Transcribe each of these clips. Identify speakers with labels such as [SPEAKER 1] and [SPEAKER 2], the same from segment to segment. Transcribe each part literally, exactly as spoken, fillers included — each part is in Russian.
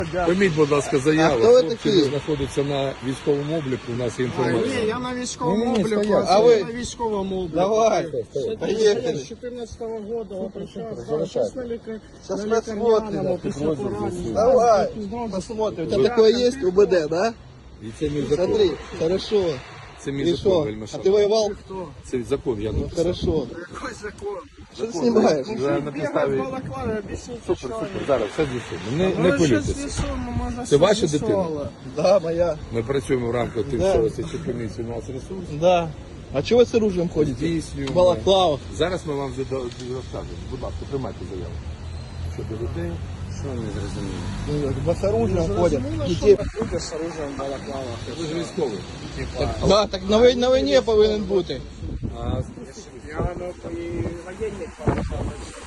[SPEAKER 1] Прийміть, будь ласка, заяву.
[SPEAKER 2] А хто ви
[SPEAKER 1] Хлопці
[SPEAKER 2] такі?
[SPEAKER 1] знаходяться на військовому обліку, у нас є
[SPEAKER 3] А,
[SPEAKER 1] інформація.
[SPEAKER 3] ні, я на військовому
[SPEAKER 2] Ні, ні,
[SPEAKER 3] обліку,
[SPEAKER 2] стоять.
[SPEAKER 3] а
[SPEAKER 2] А
[SPEAKER 3] ви
[SPEAKER 2] ви?
[SPEAKER 3] на військовому обліку.
[SPEAKER 2] Давай,
[SPEAKER 3] Я
[SPEAKER 2] поехали.
[SPEAKER 3] з чотирнадцятого года обращався,
[SPEAKER 2] Залишай.
[SPEAKER 3] зараз на лікар...
[SPEAKER 2] Сейчас
[SPEAKER 3] на
[SPEAKER 2] посмотрим.
[SPEAKER 3] лікарняному після поранення.
[SPEAKER 2] Давай,
[SPEAKER 3] Знову
[SPEAKER 2] посмотрим. У тебя такое есть, УБД, да?
[SPEAKER 1] І це мій закон.
[SPEAKER 2] Смотри, хорошо.
[SPEAKER 1] Це мій
[SPEAKER 2] И
[SPEAKER 1] закон,
[SPEAKER 2] что?
[SPEAKER 1] вельми
[SPEAKER 2] А
[SPEAKER 1] шановний.
[SPEAKER 2] ты воевал?
[SPEAKER 1] Це закон, я
[SPEAKER 2] Ну,
[SPEAKER 1] написав.
[SPEAKER 2] хорошо.
[SPEAKER 3] Який закон?
[SPEAKER 2] Что ты снимаешь?
[SPEAKER 1] Вже на
[SPEAKER 3] Бігав в
[SPEAKER 1] підставі...
[SPEAKER 3] балаклаві, об'ясніть,
[SPEAKER 1] Супер,
[SPEAKER 3] що
[SPEAKER 1] супер,
[SPEAKER 3] ви.
[SPEAKER 1] зараз все з'ясуємо. Не,
[SPEAKER 3] Ну,
[SPEAKER 1] не
[SPEAKER 3] ви щось
[SPEAKER 1] хвилюйтеся.
[SPEAKER 3] з'ясуємо, може,
[SPEAKER 1] Це ваша
[SPEAKER 3] щось
[SPEAKER 1] дитина?
[SPEAKER 3] з'ясували.
[SPEAKER 2] Да, моя.
[SPEAKER 1] Ми працюємо в рамках тим,
[SPEAKER 2] Да.
[SPEAKER 1] що слідчі комісії у нас ресурс.
[SPEAKER 2] Да. А чего вы с оружием ходите?
[SPEAKER 1] Здійснюємо.
[SPEAKER 2] В балаклавах.
[SPEAKER 1] Зараз ми вам зада- розкажемо. Будь ласка, приймайте заяву. Щодо людей. Що ви не зрозуміли?
[SPEAKER 2] Ну, с оружием ходят.
[SPEAKER 3] Зрозуміло,
[SPEAKER 2] Детей.
[SPEAKER 3] що люди з оружием в балаклавах.
[SPEAKER 1] Ви ж військовий.
[SPEAKER 2] Да, так на, вой- на войне повинен бути.
[SPEAKER 1] А
[SPEAKER 3] Я ну, і воєнник балаклавах.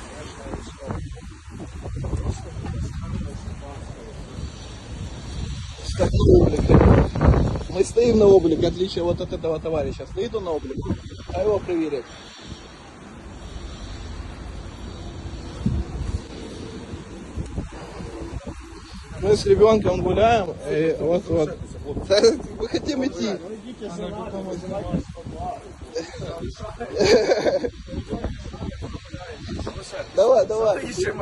[SPEAKER 2] Как на облик. Мы стоим на облик, в отличие вот от этого товарища. Стоит он на облик, а его проверять. Мы с ребенком гуляем, и вот вот. Да, мы хотим идти. Давай, давай.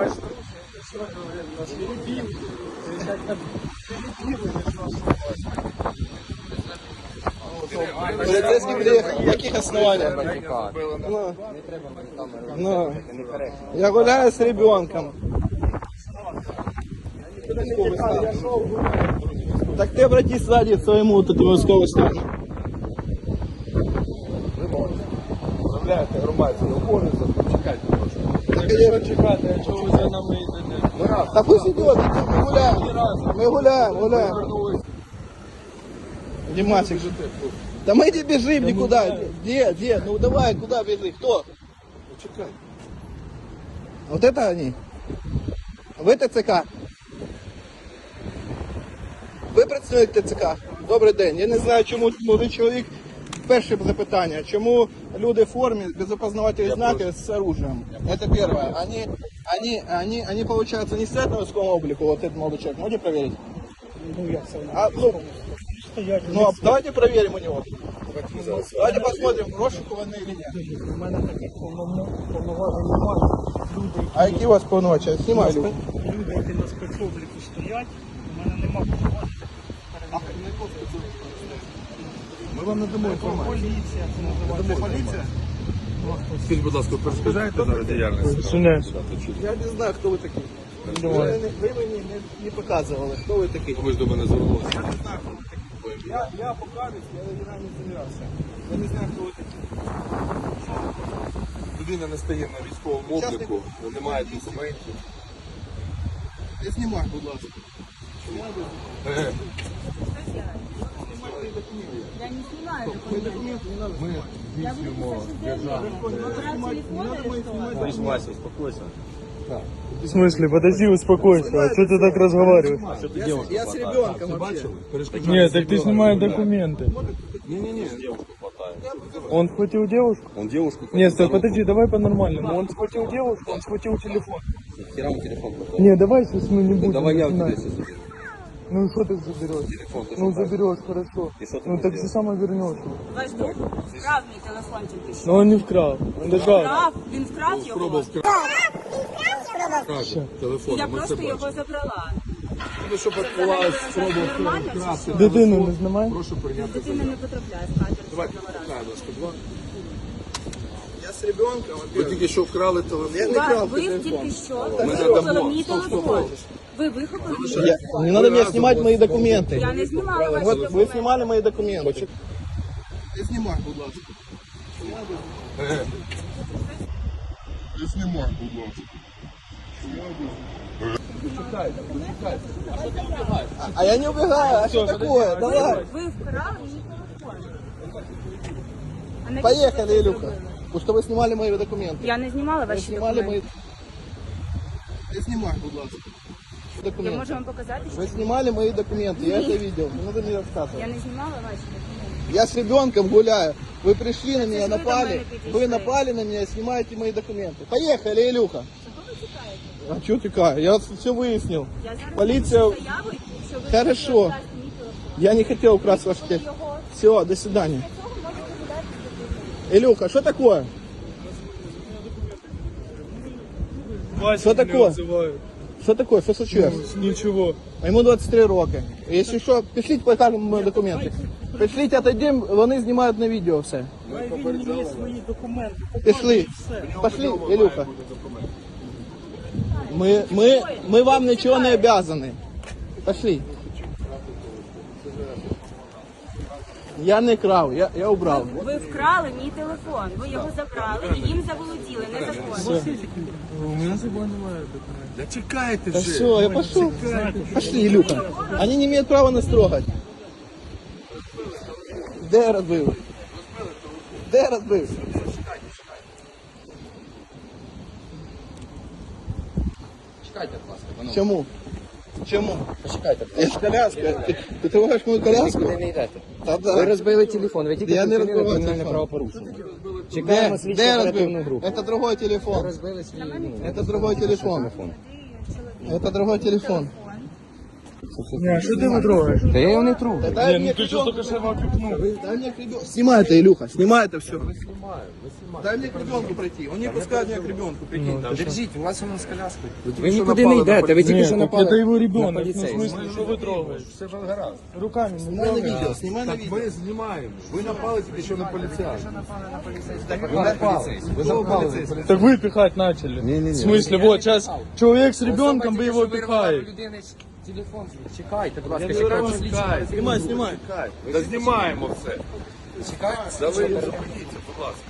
[SPEAKER 2] Полицейский приехал. На каких основаниях? Ну, ну, я гуляю с ребенком. Так ты обратись сзади к своему вот этому військовому стану.
[SPEAKER 1] Заявляєте громадські обов'язок, чекайте трошки.
[SPEAKER 2] Так,
[SPEAKER 3] Чекати, а чого ви за нами йдете?
[SPEAKER 2] да пусть идет, мы гуляем. Мы гуляем, гуляем. Димасик же ты. Да мы не бежим никуда. Где, где? Ну давай, куда бежи? Кто?
[SPEAKER 1] Чекайте.
[SPEAKER 2] Вот это они? Ви ТЦК? Ви представник ТЦК? Добрий день. Я не знаю, чому молодий чоловік. Перше запитання. Чому люди в формі без опознавательних знаків з оружием? Это первое. Они, они, они, они, получается, не стоят на військовому облику, вот этот молодой человек. Можете проверить?
[SPEAKER 3] Ну, як це?
[SPEAKER 2] А, ну,
[SPEAKER 3] Стоять.
[SPEAKER 2] ну, а давайте проверим у него. Давайте посмотрим, розшукуваний или нет.
[SPEAKER 3] У мене таких повноважень немає. Люди,
[SPEAKER 2] А які у вас повноваження? Знімай, Люк.
[SPEAKER 3] люди, які на спецобліку стоять, у мене немає повноважень.
[SPEAKER 1] Ми вам надамо інформацію.
[SPEAKER 3] Поліція, це називається. Поліція?
[SPEAKER 1] Скажіть, будь ласка, перешкоджаєте зараз діяльність?
[SPEAKER 2] Я не знаю, хто ви такі. Ви, ви мені не, не показували, хто ви такі.
[SPEAKER 1] Ви ж до мене звернулися.
[SPEAKER 2] Я не знаю, хто ви такі. Я, я покажусь, я не не замірався. Я не знаю, хто ви такі.
[SPEAKER 1] Людина не стає на військовому обліку, не має документів.
[SPEAKER 2] Не знімай, будь ласка.
[SPEAKER 1] Е,
[SPEAKER 4] Я не снимаю документы.
[SPEAKER 1] Ми
[SPEAKER 4] Я буду
[SPEAKER 1] здійснюємо
[SPEAKER 4] писать
[SPEAKER 1] державну.
[SPEAKER 4] заявление. Операция телефона или что?
[SPEAKER 5] Вася, успокойся.
[SPEAKER 6] В смысле, подожди, успокойся. А что ты так разговариваешь?
[SPEAKER 2] Я, я с ребенком вообще.
[SPEAKER 1] Бачили? Перешкоджаєте.
[SPEAKER 6] Нет, так ты снимай документы.
[SPEAKER 1] Ні-ні-ні.
[SPEAKER 6] Он схватил девушку?
[SPEAKER 5] Он девушку...
[SPEAKER 6] Нет, стой, подожди, давай по-нормальному. Он схватил девушку, он схватил телефон.
[SPEAKER 5] Хера он телефон пропал.
[SPEAKER 6] Не, давай сейчас мы не будем.
[SPEAKER 5] Давай я у тебя
[SPEAKER 6] начинать.
[SPEAKER 5] сейчас заберу.
[SPEAKER 6] Ну и что ты заберешь?
[SPEAKER 5] Телефон ты
[SPEAKER 6] Ну
[SPEAKER 5] что,
[SPEAKER 6] заберешь, хорошо.
[SPEAKER 5] И что ты
[SPEAKER 6] Ну
[SPEAKER 5] мне
[SPEAKER 6] так же
[SPEAKER 5] сделаешь?
[SPEAKER 6] само вернешь.
[SPEAKER 4] Подожди. Вкрав мій телефончик ти що?
[SPEAKER 6] Но он не вкрал. Он лежал.
[SPEAKER 4] Вкрав? Він вкрав його?
[SPEAKER 1] Пробував вкрасти. Телефон.
[SPEAKER 4] Я
[SPEAKER 1] Ми це
[SPEAKER 4] просто його
[SPEAKER 1] бачимо.
[SPEAKER 4] забрала.
[SPEAKER 1] Ну, щоб відбувалося спроба
[SPEAKER 4] Нормально чи
[SPEAKER 1] вкрасти.
[SPEAKER 4] що?
[SPEAKER 6] Дитину не знімай.
[SPEAKER 1] Прошу прийняти
[SPEAKER 4] Дитина
[SPEAKER 1] заяву.
[SPEAKER 4] не потрапляє в кадр.
[SPEAKER 1] Давайте,
[SPEAKER 4] жодного разу.
[SPEAKER 1] покажемо, будь ласка, два.
[SPEAKER 2] Я с ребенком.
[SPEAKER 1] Ви тільки що вкрали
[SPEAKER 2] Я
[SPEAKER 1] телефон.
[SPEAKER 2] не
[SPEAKER 4] Ви-
[SPEAKER 2] крав
[SPEAKER 4] Ви
[SPEAKER 2] телефон.
[SPEAKER 4] тільки що
[SPEAKER 1] Ми
[SPEAKER 4] вихопили
[SPEAKER 1] надамо.
[SPEAKER 4] мій
[SPEAKER 1] Стоп, стоп,
[SPEAKER 4] телефон.
[SPEAKER 1] стоп.
[SPEAKER 4] Ви вихопили мій
[SPEAKER 2] Я, не надо мне снимать мои документы.
[SPEAKER 4] Я не знімала ваші
[SPEAKER 2] Вот вы
[SPEAKER 4] документи.
[SPEAKER 2] снимали мои документы. Не снимай, будь ласка.
[SPEAKER 1] Е. Не знімай, будь ласка.
[SPEAKER 2] А я не убегаю, а что такое? Давай.
[SPEAKER 4] Ви вкрали мій телефон. А навіщо
[SPEAKER 2] Поехали,
[SPEAKER 4] ви це
[SPEAKER 2] Илюха.
[SPEAKER 4] зробили?
[SPEAKER 2] Потому что вы снимали мои документы.
[SPEAKER 4] Я не знімала
[SPEAKER 2] Вы
[SPEAKER 4] ваші
[SPEAKER 2] снимали мои...
[SPEAKER 4] документи.
[SPEAKER 2] Не снимай, будь ласка.
[SPEAKER 4] Я
[SPEAKER 2] Документы.
[SPEAKER 4] можу вам показати, що
[SPEAKER 2] Вы снимали мои документы, я
[SPEAKER 4] Нет.
[SPEAKER 2] это видел. Не надо мне
[SPEAKER 4] я
[SPEAKER 2] рассказывать.
[SPEAKER 4] не знімала ваші документи.
[SPEAKER 2] Я с ребенком гуляю. Вы пришли на меня,
[SPEAKER 4] же вы до
[SPEAKER 2] напали.
[SPEAKER 4] меня
[SPEAKER 2] Вы
[SPEAKER 4] пришли.
[SPEAKER 2] напали на меня и снимаете мои документы. Поехали, Илюха.
[SPEAKER 4] Чого ви тікаєте?
[SPEAKER 2] А чого тікає? Я все вияснив.
[SPEAKER 5] Я зараз
[SPEAKER 2] Поліція...
[SPEAKER 5] напишу заяву, що ви
[SPEAKER 2] Хорошо.
[SPEAKER 5] хочете вкрасти мій телефон.
[SPEAKER 2] Я не хотел украсть ваш телефон.
[SPEAKER 5] Його.
[SPEAKER 2] Все, до свидания.
[SPEAKER 5] Для цього можете видати.
[SPEAKER 2] Илюха, что такое?
[SPEAKER 6] Вася
[SPEAKER 2] Что
[SPEAKER 6] меня
[SPEAKER 2] такое?
[SPEAKER 6] вызывает.
[SPEAKER 2] Что такое? Что случилось?
[SPEAKER 6] Ничего.
[SPEAKER 2] А Ему двадцять три роки. Если що, пішліть, покажемо мої документи. Пішліть, отойдемо, вони знімають на відео все.
[SPEAKER 3] Він мені свої документи.
[SPEAKER 2] Пішли. Пошли, Ілюха. Ми, ми, ми вам нічого не обязаны. Пошли. Я не крав, я, я убрав.
[SPEAKER 5] Ви вкрали мій телефон, ви його забрали і їм заволоділи незаконно.
[SPEAKER 6] У меня с собой немає документов.
[SPEAKER 1] Да чекайте
[SPEAKER 2] Да
[SPEAKER 1] вже.
[SPEAKER 2] все, я пошел. Пошли, Илюха. Они не имеют права нас трогать. Де розбив? Де розбив?
[SPEAKER 7] Чекайте, будь ласка, панове.
[SPEAKER 2] Чому? Чому?
[SPEAKER 7] Почекайте.
[SPEAKER 2] Я ж коляска. Ти, ти тримаєш мою коляску?
[SPEAKER 7] Ви не йдете.
[SPEAKER 2] Та
[SPEAKER 7] Ви
[SPEAKER 2] да.
[SPEAKER 7] розбили телефон, ви тільки
[SPEAKER 2] Я не
[SPEAKER 7] вчинили
[SPEAKER 2] розбивав
[SPEAKER 7] кримінальне
[SPEAKER 2] телефон.
[SPEAKER 7] правопорушення.
[SPEAKER 2] Де,
[SPEAKER 7] Чекаємо слідчу
[SPEAKER 2] де
[SPEAKER 7] оперативну
[SPEAKER 2] розбив?
[SPEAKER 7] групу.
[SPEAKER 2] Это другой телефон.
[SPEAKER 7] Розбили свій, ну,
[SPEAKER 2] Это другой телефон.
[SPEAKER 7] телефон.
[SPEAKER 2] Это другой телефон.
[SPEAKER 6] Не, что ты его трогаешь?
[SPEAKER 7] Та я його не тру.
[SPEAKER 2] Да дай
[SPEAKER 6] Не,
[SPEAKER 2] мне
[SPEAKER 6] ну ты что
[SPEAKER 2] ребенку.
[SPEAKER 6] только что его окликнул.
[SPEAKER 2] Дай мне к ребенку. Снимай это, Илюха, снимай это все. Дай мне к ребенку пройти. Он не пускает меня к ребенку, прикинь.
[SPEAKER 7] Держіть, у вас воно з коляскою. Ви нікуди не йдете, ви тільки
[SPEAKER 6] Нет,
[SPEAKER 7] що
[SPEAKER 6] так
[SPEAKER 7] напали
[SPEAKER 6] это его
[SPEAKER 7] на
[SPEAKER 6] ребенок. Ну, в
[SPEAKER 7] поліцейського.
[SPEAKER 6] смысле, что вы трогаете?
[SPEAKER 1] Все ж гаразд.
[SPEAKER 6] Руками не
[SPEAKER 2] Снимай на
[SPEAKER 6] трогай.
[SPEAKER 2] видео, снимай на
[SPEAKER 1] Так
[SPEAKER 2] видео.
[SPEAKER 1] ми знімаємо. Ви напали тільки що на поліцейського.
[SPEAKER 7] Ви напали.
[SPEAKER 1] Ви напали на поліцейського.
[SPEAKER 6] Так вы пихать начали.
[SPEAKER 1] Не-не-не.
[SPEAKER 6] В смысле, вот сейчас человек с ребенком, вы его
[SPEAKER 7] Особа тільки що вирвала у
[SPEAKER 6] пихаете.
[SPEAKER 7] людини телефон. Чекайте, будь ласка,
[SPEAKER 1] Я
[SPEAKER 7] чекаємо
[SPEAKER 1] не
[SPEAKER 7] слідчу.
[SPEAKER 1] чекаю.
[SPEAKER 2] Снимай, снимай.
[SPEAKER 1] Та знімаємо все.
[SPEAKER 7] Чекаємо
[SPEAKER 1] Да ви
[SPEAKER 7] слідчу.
[SPEAKER 1] зупиніться, будь ласка.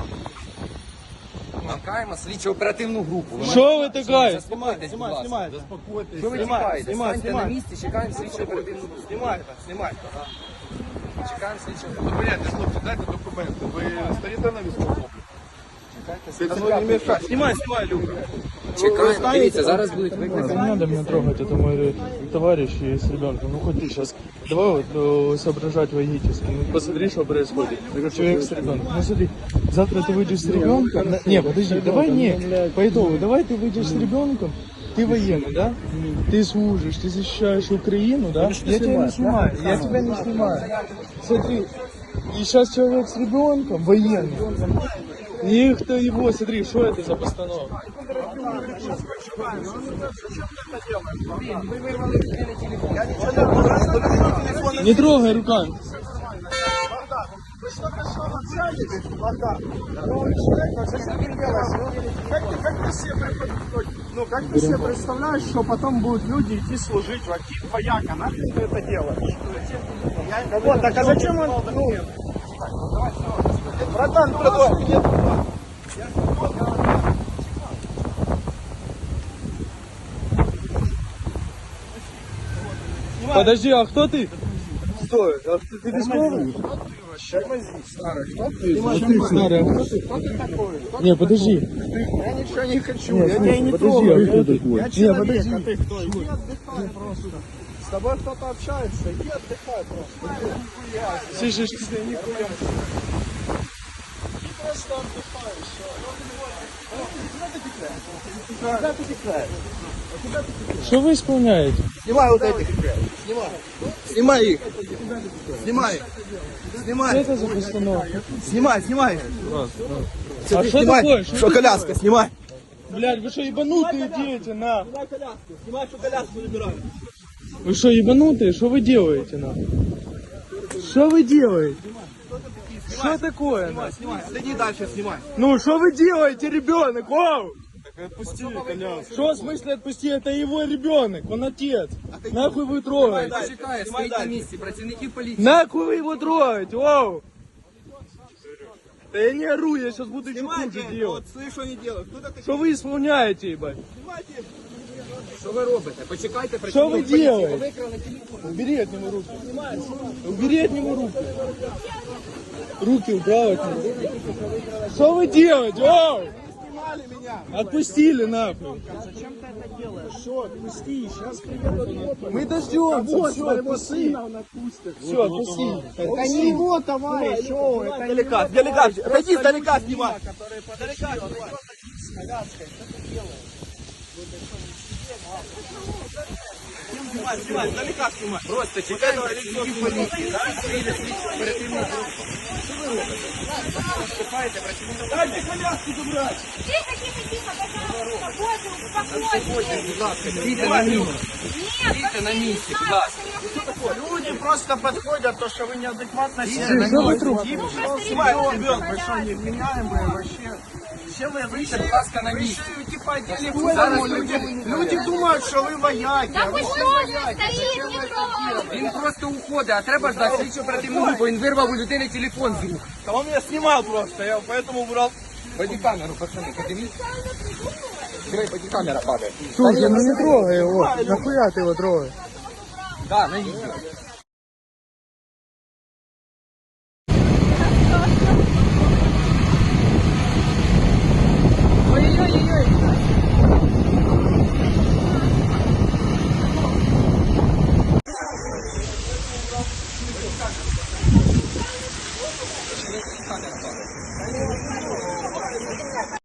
[SPEAKER 7] Чекаємо слідчу оперативну групу. Ви
[SPEAKER 6] Что вы такая?
[SPEAKER 7] заспокойтесь, будь
[SPEAKER 2] Снимай,
[SPEAKER 7] ласка.
[SPEAKER 2] снимай.
[SPEAKER 1] Заспокойтесь.
[SPEAKER 7] Що ви
[SPEAKER 2] Знімай,
[SPEAKER 7] чекаєте?
[SPEAKER 2] знімай,
[SPEAKER 7] Станьте на
[SPEAKER 2] знімай.
[SPEAKER 7] місці, чекаємо слідчу оперативну групу.
[SPEAKER 2] Снимай это, снимай.
[SPEAKER 7] Чекаємо слідчу.
[SPEAKER 1] Зупиняйте, хлопці, дайте документи. Ви стоїте на військовому?
[SPEAKER 2] Это ну, не мешай. Снимай, снимай, Илюха.
[SPEAKER 7] Чекаємо. Дивіться, зараз будуть викликані.
[SPEAKER 6] Не надо меня трогать, это мой товарищ и с ребенком. Ну хоть ты сейчас. Давай вот э, соображать логически. Ну, посмотри, что происходит. Человек с ребенком. Ну смотри, завтра ты выйдешь с ребенком. На- Не, подожди, давай не. По итогу, давай ты выйдешь с ребенком. Ты военный, да? Ты служишь, ты защищаешь Украину, да? Я тебя не снимаю, я тебя не снимаю. Смотри, и сейчас человек с ребенком, военный. И кто его, смотри, что это за постановка? Не трогай руками.
[SPEAKER 3] Ну, как ты себе представляешь, что потом будут люди идти служить в один вояка? Нахрен ты это делаешь? Я... Вот, так а зачем он... Ну... Братан, продолжай.
[SPEAKER 6] Подожди, а кто ты? Стой, а ты, ты військовий? Старый, а кто ты? Не, подожди.
[SPEAKER 2] Я ничего не хочу.
[SPEAKER 6] Нет,
[SPEAKER 2] Я тебя и не
[SPEAKER 6] подожди,
[SPEAKER 2] трогаю.
[SPEAKER 6] а кто такой?
[SPEAKER 2] Я
[SPEAKER 6] Не,
[SPEAKER 2] человек,
[SPEAKER 6] подожди.
[SPEAKER 2] а ты кто? Иди отдыхай просто. С тобой кто-то общается, иди отдыхай просто.
[SPEAKER 6] Слышишь,
[SPEAKER 2] Ты нихуя. Ты просто отдыхай, все. Куда ты текаешь?
[SPEAKER 6] что вы исполняете?
[SPEAKER 2] Снимай вот этих. Снимай. Снимай их. Снимай их.
[SPEAKER 6] Что
[SPEAKER 2] Снимай.
[SPEAKER 6] это за постановка?
[SPEAKER 2] Снимай, снимай.
[SPEAKER 6] А что
[SPEAKER 2] Снимай.
[SPEAKER 6] такое?
[SPEAKER 2] Что коляска, снимай.
[SPEAKER 6] Блядь, вы что, ебанутые дети, на?
[SPEAKER 2] Снимай коляску. Снимай, что коляску забирай.
[SPEAKER 6] Вы что, ебанутые? Что вы делаете, на? Что вы делаете? Что такое, на?
[SPEAKER 2] Снимай. Иди дальше, снимай.
[SPEAKER 6] Ну, что вы делаете, ребенок? Вау!
[SPEAKER 1] Отпусти коляску.
[SPEAKER 6] Что в смысле отпусти? Это его ребенок, он отец. Нахуй вы трогаете?
[SPEAKER 7] Чекає, стоїть на місці, працівники поліції.
[SPEAKER 6] Нахуй вы его трогаете? Вау! Да я не ору, я сейчас буду еще хуже
[SPEAKER 2] Снимайте.
[SPEAKER 6] делать.
[SPEAKER 2] Вот слышь, что они делают. Кто такой?
[SPEAKER 6] Что вы исполняете, ебать?
[SPEAKER 2] Снимайте.
[SPEAKER 7] Що ви робите? Почекайте,
[SPEAKER 6] Что вы
[SPEAKER 7] працівник поліції.
[SPEAKER 6] делаете?
[SPEAKER 7] Ви викрали телефон.
[SPEAKER 6] Убери от него руки. Убери от него руки. Руки убрал от него. Что вы делаете? Вау!
[SPEAKER 2] Снимали меня.
[SPEAKER 6] Отпустили нахуй.
[SPEAKER 3] Зачем ты это делаешь? Все, отпусти, сейчас приедут.
[SPEAKER 6] Мы дождем.
[SPEAKER 3] Вот
[SPEAKER 6] Все,
[SPEAKER 3] своего
[SPEAKER 6] отпусти.
[SPEAKER 3] сына он отпустит.
[SPEAKER 6] Все, отпусти.
[SPEAKER 3] Это не его товарищ, о, это не
[SPEAKER 2] Далека,
[SPEAKER 3] его
[SPEAKER 2] далека.
[SPEAKER 3] товарищ.
[SPEAKER 2] Отойди,
[SPEAKER 3] Просто
[SPEAKER 2] далека
[SPEAKER 3] люди
[SPEAKER 2] снимай.
[SPEAKER 3] мимо, которые
[SPEAKER 2] Далека снимай.
[SPEAKER 3] с коляской, что ты делаешь?
[SPEAKER 2] Снимай, снимай, издалека снимай.
[SPEAKER 7] Просто чекаємо працівників поліції, так? Прийде слідчо оперативна група. Що ви робите? Виступаєте працівникам
[SPEAKER 2] Дайте коляску забрать.
[SPEAKER 5] Тихо, тихо, тихо, пожалуйста, боже, успокойтесь.
[SPEAKER 7] будь ласка, стійте на місці. Стійте на місці, будь ласка.
[SPEAKER 3] Люди просто подходят, то, что вы неадекватно
[SPEAKER 7] Что
[SPEAKER 3] сели.
[SPEAKER 7] вы
[SPEAKER 6] трубку?
[SPEAKER 3] Снимай, ребенок, вы что, невменяемые вообще? Все вы
[SPEAKER 7] Стійте, будь ласка, на місці.
[SPEAKER 3] решите по телефону.
[SPEAKER 7] Зараз
[SPEAKER 3] Люди, люди думают, что вы вояки.
[SPEAKER 5] Да
[SPEAKER 3] а вы
[SPEAKER 5] пусть
[SPEAKER 3] все
[SPEAKER 5] тоже
[SPEAKER 3] вояки.
[SPEAKER 5] стоит, не трогай.
[SPEAKER 7] Він просто уходить, а треба ждати слідчо оперативну групу. Він вирвав у людини телефон з рук.
[SPEAKER 2] Да он меня снимал просто, я поэтому убрал.
[SPEAKER 7] Бодікамеру, пацани, подивіться. Диви, бодікамера падає.
[SPEAKER 6] Слушай, ну не трогай его. Нахуя ты его трогаешь?
[SPEAKER 7] Да, на відео. Камера падає.